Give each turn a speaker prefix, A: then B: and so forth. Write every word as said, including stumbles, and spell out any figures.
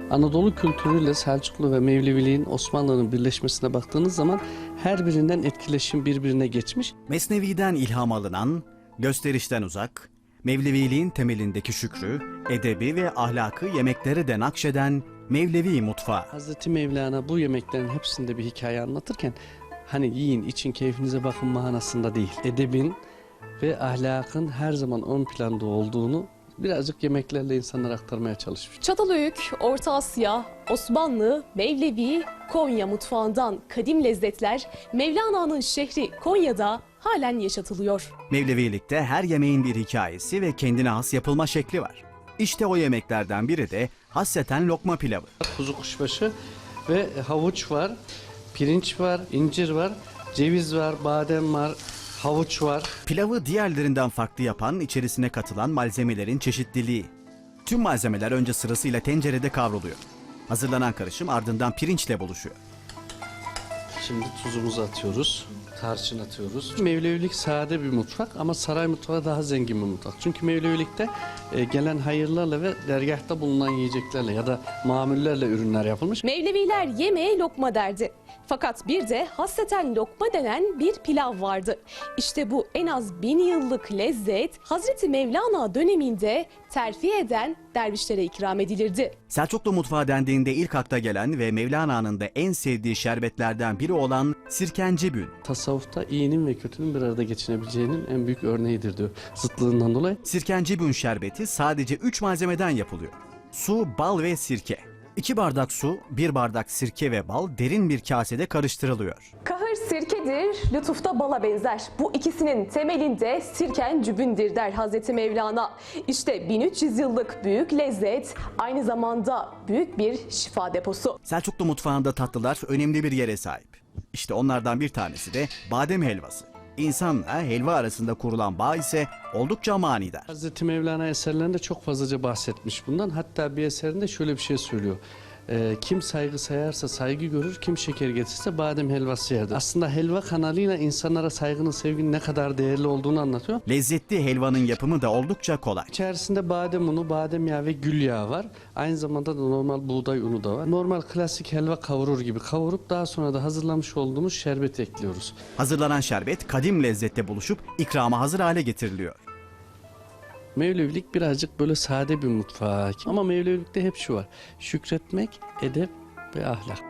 A: Anadolu kültürüyle Selçuklu ve Mevleviliğin Osmanlı'nın birleşmesine baktığınız zaman her birinden etkileşim birbirine geçmiş.
B: Mesnevi'den ilham alınan, gösterişten uzak, Mevleviliğin temelindeki şükrü, edebi ve ahlakı yemeklere de nakşeden Mevlevi mutfağı.
A: Hazreti Mevlana bu yemeklerin hepsinde bir hikaye anlatırken hani yiyin, için, keyfinize bakın manasında değil. Edebin ve ahlakın her zaman ön planda olduğunu birazcık yemeklerle insanlara aktarmaya çalışmış.
C: Çatalhöyük, Orta Asya, Osmanlı, Mevlevi, Konya mutfağından kadim lezzetler Mevlana'nın şehri Konya'da halen yaşatılıyor.
B: Mevlevilikte her yemeğin bir hikayesi ve kendine has yapılma şekli var. İşte o yemeklerden biri de hasreten lokma pilavı.
A: Kuzu kuşbaşı ve havuç var, pirinç var, incir var, ceviz var, badem var, havuç var.
B: Pilavı diğerlerinden farklı yapan içerisine katılan malzemelerin çeşitliliği. Tüm malzemeler önce sırasıyla tencerede kavruluyor. Hazırlanan karışım ardından pirinçle buluşuyor.
A: Şimdi tuzumuzu atıyoruz, tarçın atıyoruz. Mevlevilik sade bir mutfak ama saray mutfağı daha zengin bir mutfak. Çünkü Mevlevilikte e, gelen hayırlarla ve dergahta bulunan yiyeceklerle ya da mamullerle ürünler yapılmış.
C: Mevleviler yemeğe lokma derdi. Fakat bir de hasreten lokma denen bir pilav vardı. İşte bu en az bin yıllık lezzet Hazreti Mevlana döneminde terfi eden dervişlere ikram edilirdi.
B: Selçuklu mutfağı dendiğinde ilk akla gelen ve Mevlana'nın da en sevdiği şerbetlerden biri olan sirkencibün.
A: Tasavvufta iyinin ve kötünün bir arada geçinebileceğinin en büyük örneğidir diyor zıtlığından dolayı.
B: Sirkencibün şerbeti sadece üç malzemeden yapılıyor. Su, bal ve sirke. İki bardak su, bir bardak sirke ve bal derin bir kasede karıştırılıyor.
C: Kahır sirkedir, lütufta bala benzer. Bu ikisinin temelinde sirken cübündür der Hazreti Mevlana. İşte bin üç yüz yıllık büyük lezzet aynı zamanda büyük bir şifa deposu.
B: Selçuklu mutfağında tatlılar önemli bir yere sahip. İşte onlardan bir tanesi de badem helvası. İnsanla helva arasında kurulan bağ ise oldukça manidar.
A: Hazreti Mevlana eserlerinde çok fazlaca bahsetmiş bundan. Hatta bir eserinde şöyle bir şey söylüyor. Ee, kim saygı sayarsa saygı görür, kim şeker getirirse badem helvası yerdir. Aslında helva kanalıyla insanlara saygının, sevginin ne kadar değerli olduğunu anlatıyor.
B: Lezzetli helvanın yapımı da oldukça kolay.
A: İçerisinde badem unu, badem yağı ve gül yağı var. Aynı zamanda da normal buğday unu da var. Normal klasik helva kavurur gibi kavurup daha sonra da hazırlamış olduğumuz şerbeti ekliyoruz.
B: Hazırlanan şerbet kadim lezzette buluşup ikrama hazır hale getiriliyor.
A: Mevlevilik birazcık böyle sade bir mutfağa hakim. Ama Mevlevilikte hep şu var: şükretmek, edep ve ahlak.